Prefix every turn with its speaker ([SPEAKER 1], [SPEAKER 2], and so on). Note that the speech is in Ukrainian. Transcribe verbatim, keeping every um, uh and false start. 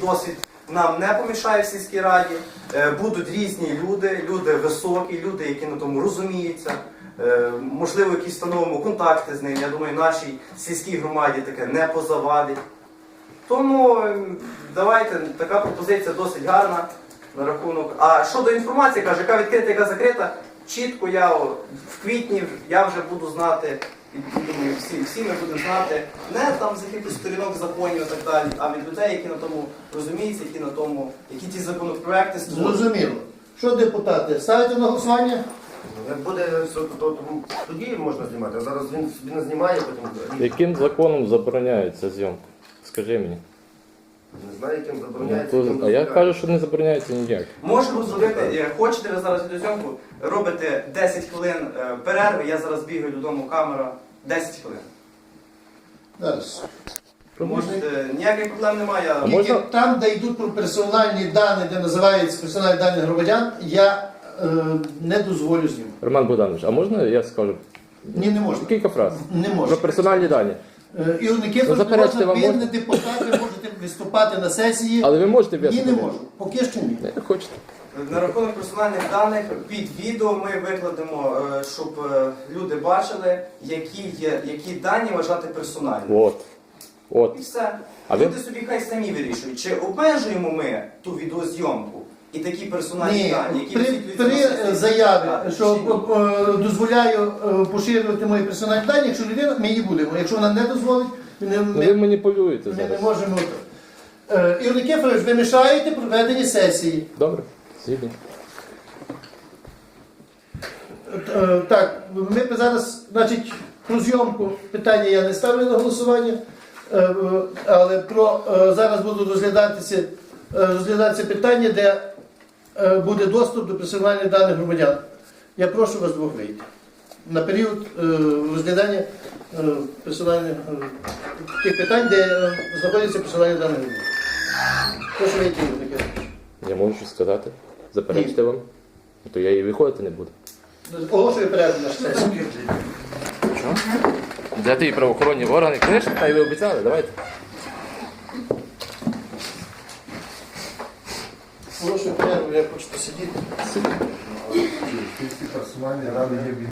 [SPEAKER 1] досвід нам не помішає в сільській раді. Е, Будуть різні люди, люди високі, люди, які на тому розуміються. Е, Можливо, якісь встановимо контакти з ними. Я думаю, нашій сільській громаді таке не позавадить. Тому е, давайте, така пропозиція досить гарна на рахунок. А щодо інформації, каже, яка відкрита, яка закрита, чітко я о, в квітні я вже буду знати, і думаю, всі, всі ми будемо знати, не там з якихось сторінок законів і так далі, а від людей, які на тому розуміються, які на тому, які ті законопроекти створюють.
[SPEAKER 2] Зрозуміло. Що, депутати, ставите на голосування?
[SPEAKER 3] Як буде все, то, то тоді можна знімати, а зараз він собі не знімає, потім
[SPEAKER 4] Яким законом забороняється зйомка? Скажи мені.
[SPEAKER 3] не знаю, яким
[SPEAKER 4] Ну,
[SPEAKER 3] забороняється.
[SPEAKER 4] то-
[SPEAKER 3] яким
[SPEAKER 4] а я
[SPEAKER 3] дозволяє.
[SPEAKER 4] кажу, що не забороняється ніяк.
[SPEAKER 1] Можемо зробити, е, хочете ви зараз відеозйомку, робите десять хвилин е, перерви, я зараз бігаю додому, камера, десять хвилин.
[SPEAKER 2] Зараз.
[SPEAKER 1] Можете, ніяких проблем немає.
[SPEAKER 4] А
[SPEAKER 2] Тільки
[SPEAKER 4] можна-
[SPEAKER 2] там, де йдуть про персональні дані, де називаються персональні дані громадян, я е, не дозволю знімати.
[SPEAKER 4] Роман Богданович, а можна я скажу
[SPEAKER 2] Ні, не можна.
[SPEAKER 4] кілька фраз?
[SPEAKER 2] Не
[SPEAKER 4] Про
[SPEAKER 2] можна.
[SPEAKER 4] персональні дані.
[SPEAKER 2] Е, Ігор Никифорович,
[SPEAKER 4] Ну,
[SPEAKER 2] не
[SPEAKER 4] заперечте,
[SPEAKER 2] можна,
[SPEAKER 4] вам
[SPEAKER 2] ви
[SPEAKER 4] можна?
[SPEAKER 2] не депутат, ви можете виступати на сесії.
[SPEAKER 4] Але ви можете
[SPEAKER 2] Ні, не
[SPEAKER 4] виступити?
[SPEAKER 2] можу. Поки що ні.
[SPEAKER 4] Не хочете.
[SPEAKER 1] На рахунок персональних даних під відео ми викладемо, е, щоб е, люди бачили, які є, які дані вважати персональними.
[SPEAKER 4] От. От.
[SPEAKER 1] І все.
[SPEAKER 4] А ви-
[SPEAKER 1] Люди собі хай самі вирішують, чи обмежуємо ми ту відеозйомку і такі персональні
[SPEAKER 2] Ні,
[SPEAKER 1] дані, які
[SPEAKER 2] при,
[SPEAKER 1] висвітлюються на
[SPEAKER 2] при
[SPEAKER 1] сесії,
[SPEAKER 2] заяві,
[SPEAKER 1] так,
[SPEAKER 2] що
[SPEAKER 1] чи ні?
[SPEAKER 2] е, е, дозволяю е, поширювати мої персональні дані, якщо людина, ми її будемо. Якщо вона не дозволить, ми не,
[SPEAKER 4] Ну, ви
[SPEAKER 2] ми,
[SPEAKER 4] маніпулюєте
[SPEAKER 2] ми не
[SPEAKER 4] зараз.
[SPEAKER 2] можемо. Е, Ігор Никифорович, ви мішаєте проведенні сесії.
[SPEAKER 4] Добре, згідні.
[SPEAKER 2] Е, Так, ми б зараз, значить, про зйомку питання я не ставлю на голосування, е, е, але про, е, зараз будуть розглядатися, е, розглядатися питання, де е, буде доступ до персональних даних громадян. Я прошу вас двох вийти на період е, розглядання е, персональних е, тих питань, де е, знаходяться персональні дані громадян. Прошу вийти, Ігор Никифорович.
[SPEAKER 4] Я можу щось сказати. Заперечте вам. То я і виходити не буду.
[SPEAKER 2] Оголошую перерву на сесію.
[SPEAKER 4] Що? Взяти і правоохоронні органи. Книжки, та й ви обіцяли, давайте.
[SPEAKER 2] Оголошую перерву, я хочу посидіти.
[SPEAKER 5] Персональні дані є